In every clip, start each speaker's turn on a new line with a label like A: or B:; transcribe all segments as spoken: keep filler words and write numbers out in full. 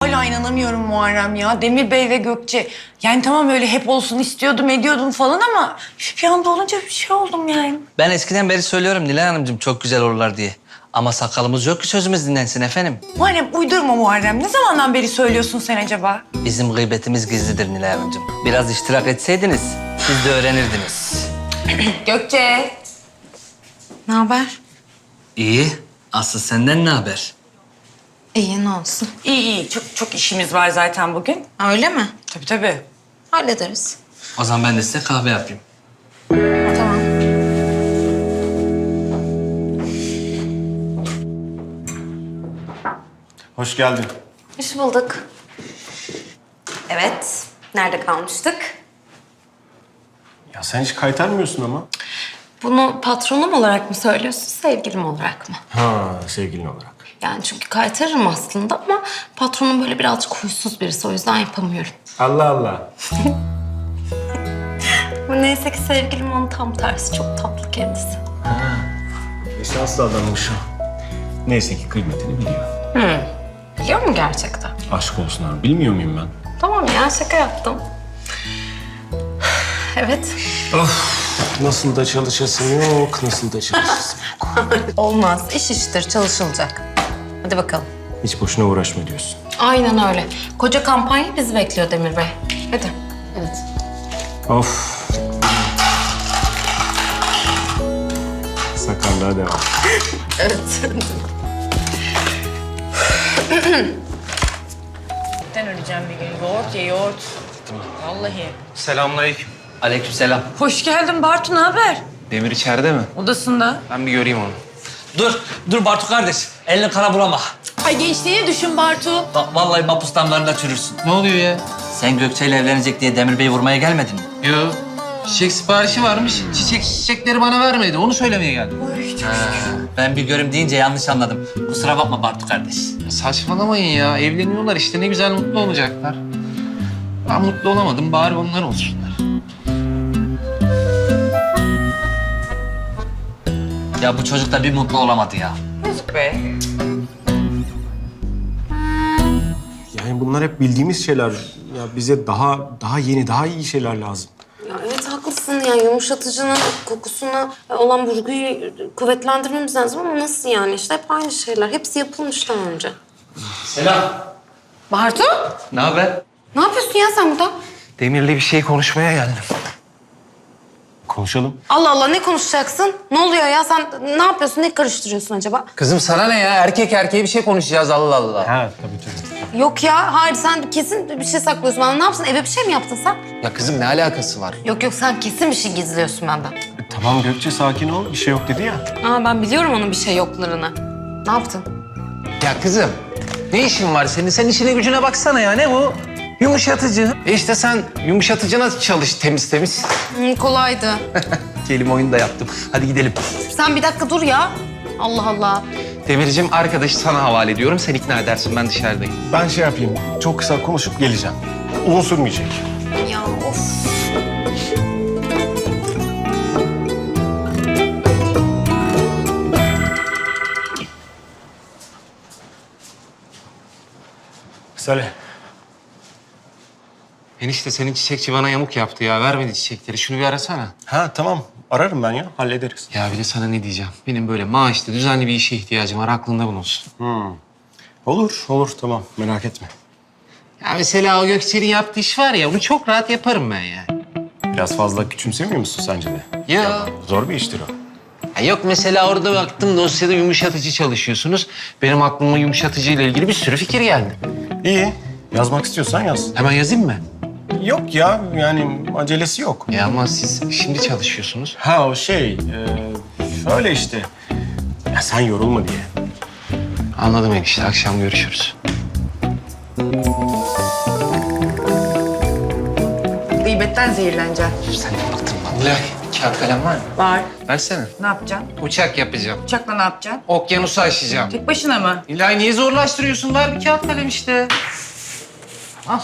A: hala inanamıyorum Muharrem ya. Demir Bey ve Gökçe. Yani tamam öyle hep olsun istiyordum, ediyordum falan ama bir anda olunca bir şey oldum yani.
B: Ben eskiden beri söylüyorum Nilay Hanımcığım çok güzel olurlar diye. Ama sakalımız yok ki sözümüz dinlensin efendim.
A: Muharrem uydurma Muharrem. Ne zamandan beri söylüyorsun sen acaba?
B: Bizim gıybetimiz gizlidir Nilay Hanımcığım. Biraz iştirak etseydiniz siz de öğrenirdiniz.
A: Gökçe.
C: Ne haber?
B: İyi. Aslı senden ne haber?
C: İyi, ne olsun.
A: İyi iyi. Çok çok işimiz var zaten bugün.
C: Öyle mi?
A: Tabii tabii.
C: Hallederiz.
B: O zaman ben de size kahve yapayım.
C: Tamam.
D: Hoş geldin.
C: Hoş bulduk. Evet. Nerede kalmıştık?
D: Ya sen hiç kaytarmıyorsun ama.
C: Bunu patronum olarak mı söylüyorsun, sevgilim olarak mı?
D: Ha, sevgilin olarak.
C: Yani çünkü kaytarırım aslında ama patronum böyle birazcık huysuz birisi. O yüzden yapamıyorum.
D: Allah Allah.
C: Bu neyse ki sevgilim onun tam tersi. Çok tatlı kendisi.
D: Ne şanslı adammış o. Neyse ki kıymetini biliyor.
C: Biliyor mu gerçekten?
D: Aşk olsun abi. Bilmiyor muyum ben?
C: Tamam ya, şaka yaptım. Evet.
D: Nasıl da çalışasın yok, nasıl da çalışasın yok.
C: Olmaz. İş iştir, çalışılacak. Hadi bakalım.
D: Hiç boşuna uğraşma diyorsun.
C: Aynen öyle. Koca kampanya bizi bekliyor Demir Bey. Hadi. Evet.
D: Of. Sakarlığa devam.
C: Evet.
A: Ben öleceğim bir gün. Yoğurt ye yoğurt. Vallahi.
E: Selamünaleyküm.
B: Aleykümselam.
A: Hoş geldin Bartu, ne haber?
E: Demir içeride mi?
A: Odasında.
E: Ben bir göreyim onu.
B: Dur, dur Bartu kardeş. Elini kana bulama.
A: Ay gençliğini düşün Bartu.
B: Bak vallahi mapus damlarında çürürsün.
E: Ne oluyor ya?
B: Sen Gökçe ile evlenecek diye Demir Bey'i vurmaya gelmedin mi?
E: Yo. Çiçek siparişi varmış. Çiçek çiçekleri bana vermedi. Onu söylemeye geldim.
B: Ha, ben bir görüm deyince yanlış anladım. Kusura bakma Bartu kardeş.
E: Ya saçmalamayın ya. Evleniyorlar işte. Ne güzel mutlu olacaklar. Ben mutlu olamadım. Bari onlar olsunlar.
B: Ya bu çocuk da bir mutlu olamadı ya.
A: Yazık be.
D: Yani bunlar hep bildiğimiz şeyler. Ya bize daha daha yeni, daha iyi şeyler lazım.
C: Ya evet haklısın. Yani yumuşatıcının kokusuna olan vurguyu kuvvetlendirmemiz lazım ama nasıl yani? İşte hep aynı şeyler. Hepsi yapılmış daha önce.
B: Selam.
C: Bartu,
B: Ne haber?
C: ne yapıyorsun ya sen burada?
E: Demir'le bir şey konuşmaya geldim.
D: Konuşalım.
C: Allah Allah, ne konuşacaksın? Ne oluyor ya? Sen ne yapıyorsun? Ne karıştırıyorsun acaba?
E: Kızım sana ne ya? Erkek erkeğe bir şey konuşacağız Allah Allah.
D: Ha, tabii tabii.
C: Yok ya, hayır sen kesin bir şey saklıyorsun bana. Ne yapsın? Eve bir şey mi yaptın sen?
E: Ya kızım ne alakası var?
C: Yok yok, sen kesin bir şey gizliyorsun benden.
D: E, tamam Gökçe, sakin ol. Bir şey yok dedi ya.
C: Aa, ben biliyorum onun bir şey yoklarını. Ne yaptın?
E: Ya kızım ne işin var senin? Sen işine gücüne baksana ya. Ne bu? Yumuşatıcı. E işte sen yumuşatıcına çalış temiz temiz.
C: Hı, kolaydı.
E: Kelime oyunu da yaptım. Hadi gidelim.
C: Sen bir dakika dur ya. Allah Allah.
E: Demircim arkadaşı sana havale ediyorum. Sen ikna edersin. Ben dışarıdayım.
D: Ben şey yapayım, çok kısa konuşup geleceğim. Uzun sürmeyecek.
C: Ya of.
D: Söyle.
E: Enişte senin çiçekçi bana yamuk yaptı ya. Vermedi çiçekleri. Şunu bir arasana.
D: Ha tamam, ararım ben ya, hallederiz.
E: Ya bir de sana ne diyeceğim? Benim böyle maaşlı, düzenli bir işe ihtiyacım var. Aklında bulunsun.
D: Olur, olur, tamam. Merak etme.
E: Ya mesela o Gökçe'nin yaptığı iş var ya, onu çok rahat yaparım ben yani.
D: Biraz fazla küçümsemiyor musun sence de?
E: Ya.
D: Zor bir iştir o.
E: Ya yok mesela orada baktım dosyada yumuşatıcı çalışıyorsunuz. Benim aklıma yumuşatıcı ile ilgili bir sürü fikir geldi.
D: İyi, yazmak istiyorsan yaz.
E: Hemen yazayım mı?
D: Yok ya, yani acelesi yok.
E: Ya ama siz şimdi çalışıyorsunuz.
D: Ha o şey, e, şöyle işte. Ya sen yorulma diye.
E: Anladım enişte, akşam görüşürüz.
A: Gıybetten zehirleneceğim.
E: Sen de baktın bana. Nilay, kağıt kalem var mı?
A: Var.
E: Versene.
A: Ne yapacaksın?
E: Uçak yapacağım.
A: Uçakla ne yapacaksın?
E: Okyanusu aşacağım.
A: Tek başına mı?
E: Nilay niye zorlaştırıyorsun? Ver bir kağıt kalem işte. Al.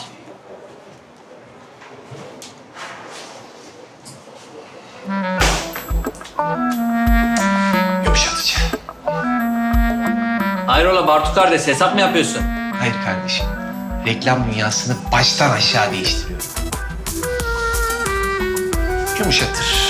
E: Yumuşatıcı.
B: Hayrola Bartu kardeş hesap mı yapıyorsun?
E: Hayır kardeşim. reklam dünyasını baştan aşağı değiştiriyorum. Yumuşatır.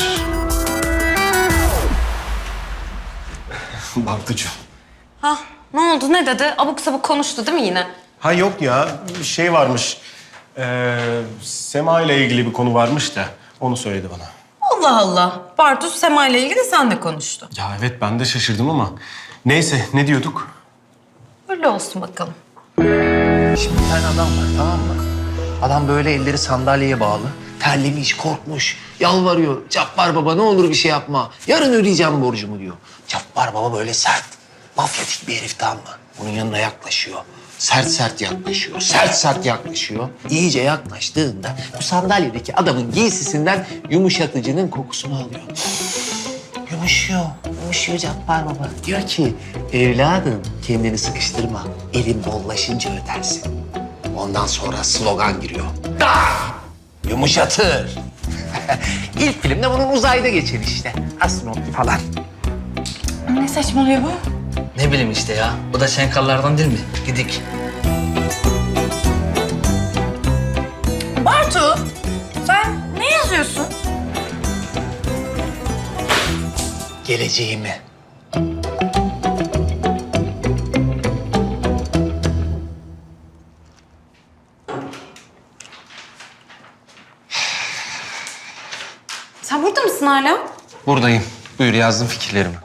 D: Bartucuğum.
C: Ha ne oldu ne dedi? Abuk sabuk konuştu değil mi yine?
D: Ha yok ya, bir şey varmış. Ee, Sema ile ilgili bir konu varmış da onu söyledi bana.
A: Allah Allah. Bartu Sema ile ilgili sen de konuştun.
D: Ya evet, ben de şaşırdım ama neyse, ne diyorduk?
A: Öyle olsun bakalım.
E: Şimdi bir tane adam var, tamam mı? Adam böyle elleri sandalyeye bağlı. Terlemiş, korkmuş, yalvarıyor. Cabbar baba ne olur bir şey yapma. Yarın ödeyeceğim borcumu diyor. Cabbar baba böyle sert, mafyatik bir herif, tamam mı? Bunun yanına yaklaşıyor. Sert sert yaklaşıyor, sert sert yaklaşıyor. İyice yaklaştığında bu sandalyedeki adamın giysisinden yumuşatıcının kokusunu alıyor. Yumuşuyor, yumuşuyor Cabbar baba. Diyor ki, evladım kendini sıkıştırma. Elin bollaşınca ödersin. Ondan sonra slogan giriyor. Da! Yumuşatır. İlk filmde bunun uzayda geçer işte. Astronot falan.
A: Ne saçmalıyor bu?
B: Ne bileyim işte ya. O da şenkallardan değil mi? Gidik.
A: Bartu, sen ne yazıyorsun?
E: Geleceğimi.
C: Sen burada mısın hala?
E: Buradayım. Buyur, yazdım fikirlerimi.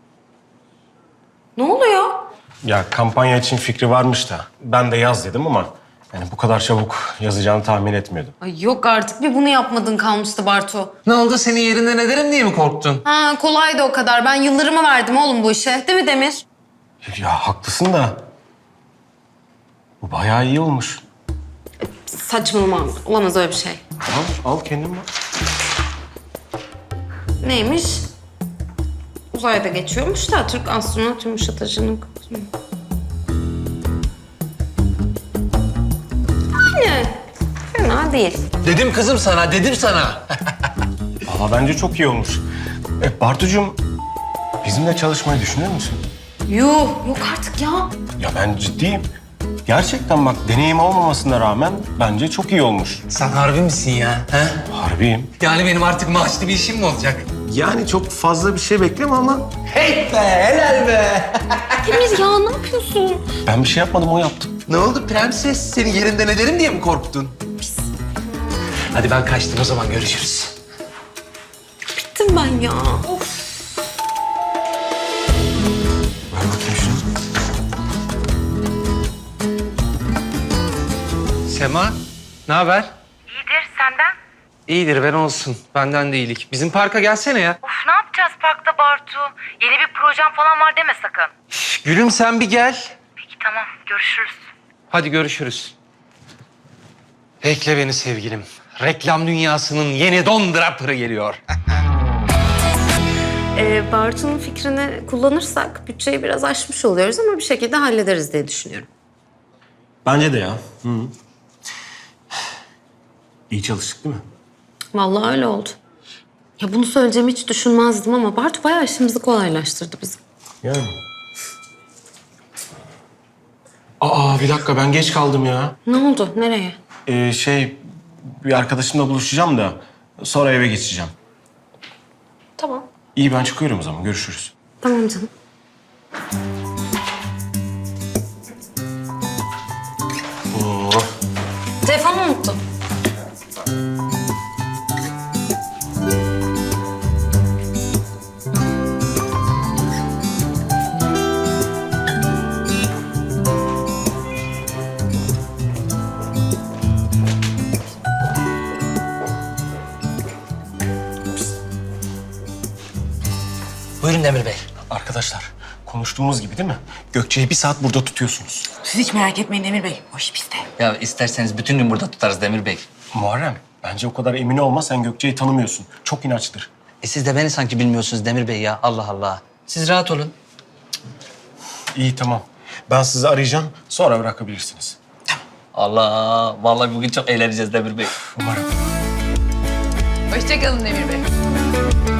C: Ne oluyor?
D: Ya kampanya için fikri varmış da ben de yaz dedim ama yani bu kadar çabuk yazacağını tahmin etmiyordum.
C: Ay yok artık bir bunu yapmadın kalmıştı Bartu.
E: Ne oldu? Senin yerinden ederim diye mi korktun?
C: Ha kolaydı o kadar. Ben yıllarımı verdim oğlum bu işe. Değil mi Demir?
D: Ya haklısın da bu bayağı iyi olmuş.
C: Saçmalama. Olamaz öyle bir şey.
D: Al, al kendin bak.
C: Neymiş? Uzayda geçiyormuş da Türk astronot yumuşatıcının kokusu. Yani fena değil.
E: Dedim kızım sana, dedim sana.
D: Valla bence çok iyi olmuş. E, Bartucuğum, bizimle çalışmayı düşünüyor musun?
C: Yuh yok artık ya.
D: Ya ben ciddiyim. Gerçekten bak, deneyim olmamasına rağmen bence çok iyi olmuş.
E: Sen harbi misin ya? He?
D: Harbiyim.
E: Yani benim artık maaşlı bir işim mi olacak?
D: Yani çok fazla bir şey bekleme ama
E: Hey be, helal be.
C: Demir ya ne yapıyorsun?
D: ben bir şey yapmadım, o yaptı.
E: Ne oldu prenses? Senin yerinden ederim diye mi korktun? Hadi ben kaçtım, o zaman görüşürüz.
C: Bittim ben ya. Of.
D: Ver bakayım şunu.
E: Sema, ne haber?
F: İyidir, senden?
E: İyidir, ben olsun. Benden de iyilik. Bizim parka gelsene ya.
F: Of, ne yapacağız parkta Bartu? Yeni bir projem falan var deme sakın.
E: Şş, gülüm sen bir gel.
F: Peki tamam, görüşürüz.
E: Hadi görüşürüz. Bekle beni sevgilim. Reklam dünyasının yeni Don Draper'ı geliyor.
C: Ee, Bartu'nun fikrini kullanırsak bütçeyi biraz aşmış oluyoruz ama bir şekilde hallederiz diye düşünüyorum.
D: Bence de ya. Hı. İyi çalıştık değil mi?
C: Vallahi öyle oldu. Ya bunu söyleyeceğimi hiç düşünmezdim ama Bartu bayağı işimizi kolaylaştırdı bizim.
D: Yani. Aa, bir dakika, ben geç kaldım ya.
C: Ne oldu? Nereye?
D: Ee, şey, bir arkadaşımla buluşacağım da sonra eve geçeceğim.
C: Tamam.
D: İyi, ben çıkıyorum o zaman. Görüşürüz.
C: Tamam canım.
D: Oo.
C: Telefonu unuttum.
B: Buyurun Demir Bey.
D: Arkadaşlar, konuştuğumuz gibi değil mi? Gökçe'yi bir saat burada tutuyorsunuz.
A: Siz hiç merak etmeyin Demir Bey. O iş bizde.
B: Ya isterseniz bütün gün burada tutarız Demir Bey.
D: Muharrem, bence o kadar emin olma. Sen Gökçe'yi tanımıyorsun. Çok inatçıdır.
B: E siz de beni sanki bilmiyorsunuz Demir Bey ya. Allah Allah. Siz rahat olun.
D: İyi, tamam. Ben sizi arayacağım. Sonra bırakabilirsiniz.
B: Allah. Vallahi bugün çok eğleneceğiz Demir Bey.
D: Umarım.
A: Hoşçakalın Demir Bey.